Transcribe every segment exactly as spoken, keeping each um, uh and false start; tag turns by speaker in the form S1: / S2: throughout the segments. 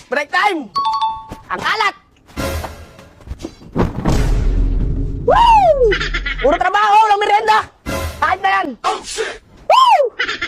S1: Break time! Ang alat! Woo! Puro trabaho, walang merienda! Kahit na yan! Oh, shit! Woo!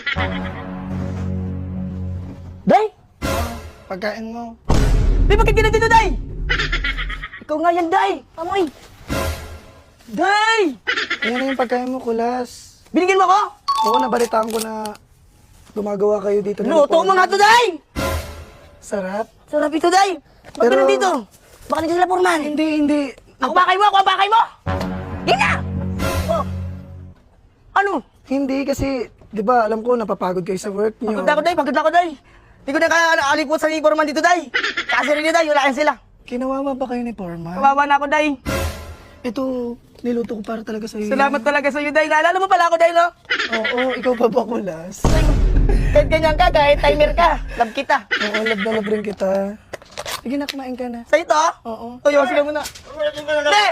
S1: Day!
S2: Pagkain mo.
S1: Day, bakit ka na dito, Day? Ikaw nga yan, Day! Amoy! Day!
S2: Ayan na yung pagkain mo, kulas.
S1: Binigyan mo ako?
S2: Oo, nabalitaan ko na gumagawa kayo dito. ng
S1: Luto mo
S2: reforma.
S1: nga to, Day!
S2: Sarap.
S1: Sarap ito, Day! Bakit ka
S2: Pero-
S1: nandito? Baka nandiyan sila, Foreman.
S2: Hindi, hindi.
S1: Ako bakay mo! Ako ang bakay mo! Hindi na! Oh. Ano?
S2: Hindi kasi, di ba, alam ko, napapagod kayo sa work niyo.
S1: Pagod ako, Day. Pagod ako, Day. Hindi ko na kaalipot sa Foreman dito, Day. Kasi rin niyo, Day. Wala yan sila.
S2: Kinawawa ba kayo ni Foreman?
S1: Kawawa na ako, Day.
S2: Ito, niluto ko para talaga sa'yo.
S1: Salamat talaga sa iyo, Day. Naalala mo pala ako, Day, no?
S2: Oo, ikaw pa ba, kulas?
S1: Kahit ganyan ka, kahit timer ka. Love kita.
S2: Oo, love na love rin kita. Sige na, kumain ka na.
S1: Sa ito, ah?
S2: Oo.
S1: Tuyo, sila muna. Hindi!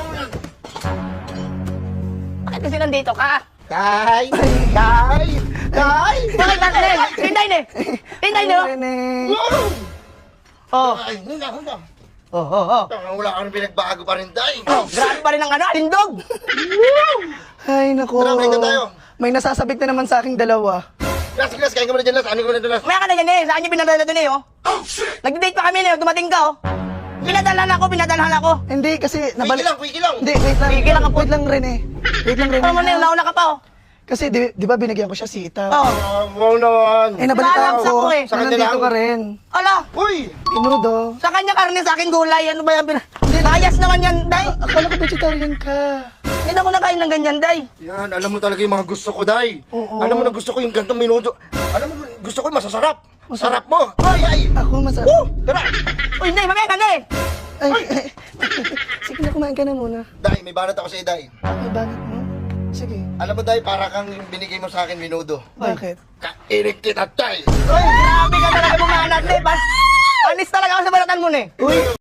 S1: Bakit kasi nandito ka?
S3: Day! Day! Day!
S1: Bakit ba? Hindi! Tinday, ne! Tinday, no?
S2: Rene.
S1: Oh.
S3: Ay, hunda, hunda.
S1: Oh, oh, oh.
S3: Wala ka nang pinagbago pa rin, Day.
S1: Oh, grabe pa rin ang ano, alindog!
S2: Ay, naku.
S3: Tara, kain na tayo.
S2: May nasasabik na naman sa aking dalawa.
S3: Las, las, kain ka muna dyan, Las. Ano ka muna dyan, Las?
S1: Maya ka na yan, eh. Saan niyo pinadala doon, eh, oh? Nag-date pa kami, eh. Dumating ka, oh. Pinadalahan ako, pinadalahan ako.
S2: Hindi, kasi
S3: Wiki
S2: nabalik...
S3: lang, wiki lang.
S2: Hindi, wait lang.
S1: Wait lang ako.
S2: Wait lang, Rene. Wait lang, Rene.
S1: Ano mo na yun, nauna ka pa, oh.
S2: Kasi, di, di ba binigyan ko siya sitaw?
S1: Oh.
S3: Ah, wow naman.
S2: Eh, nabalitaan
S1: Naalala
S2: ko.
S1: ko, eh.
S3: Sa
S2: Na
S3: kanya
S2: nandito
S3: lang.
S2: ka rin.
S1: Ala,
S3: Uy!
S2: Tinudo.
S1: sa kanya karne, sa akin gulay. Ano ba yan? Bias naman yan, Day.
S2: Akala ko vegetarian ka.
S1: Hindi na ako nakain ng ganyan, Day.
S3: Yan, alam mo talaga yung mga gusto ko, Day.
S2: Oo.
S3: Alam mo na gusto ko yung gantong minuto. Alam mo, gusto ko yung masasarap. Sarap mo. Ay, ay.
S2: Ako masarap.
S3: Woo! Tara!
S1: Uy, Day, mamaya ka, Day.
S2: Ay, ay. Sige na, kumain ka na muna.
S3: Day, may banat ako sa'yo, Day.
S2: Ay, bakit mo? Sige.
S3: Alam mo, Day, para kang binigay mo sa akin minuto.
S2: Bakit?
S3: Kairik kita, Day.
S1: Uy, grabe ka talaga bumanat, Day. Pas- Panis talaga ako sa balatan mo, eh.
S3: Uy!